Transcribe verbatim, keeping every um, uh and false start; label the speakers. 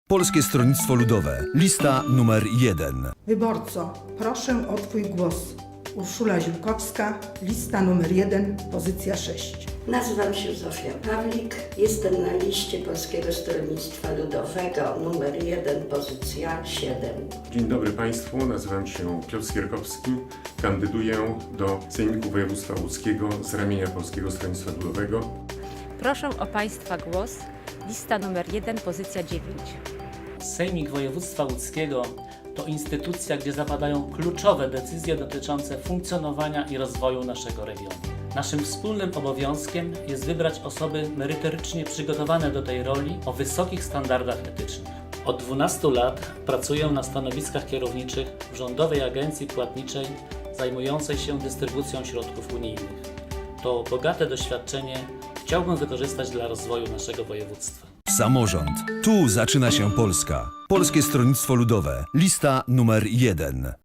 Speaker 1: Polskie Stronnictwo Ludowe. Lista numer jeden.
Speaker 2: Wyborco, proszę o Twój głos. Urszula Ziółkowska, lista numer jeden, pozycja sześć.
Speaker 3: Nazywam się Zofia Pawlik, jestem na liście Polskiego Stronnictwa Ludowego numer jeden, pozycja siedem.
Speaker 4: Dzień dobry Państwu, nazywam się Piotr Skierkowski, kandyduję do Sejmiku Województwa Łódzkiego z ramienia Polskiego Stronnictwa Ludowego.
Speaker 5: Proszę o Państwa głos. Lista numer jeden, pozycja dziewięć.
Speaker 6: Sejmik Województwa Łódzkiego to instytucja, gdzie zapadają kluczowe decyzje dotyczące funkcjonowania i rozwoju naszego regionu. Naszym wspólnym obowiązkiem jest wybrać osoby merytorycznie przygotowane do tej roli o wysokich standardach etycznych. Od dwunastu lat pracuję na stanowiskach kierowniczych w Rządowej Agencji Płatniczej zajmującej się dystrybucją środków unijnych. To bogate doświadczenie chciałbym wykorzystać dla rozwoju naszego województwa.
Speaker 1: Samorząd. Tu zaczyna się Polska. Polskie Stronnictwo Ludowe. Lista numer jeden.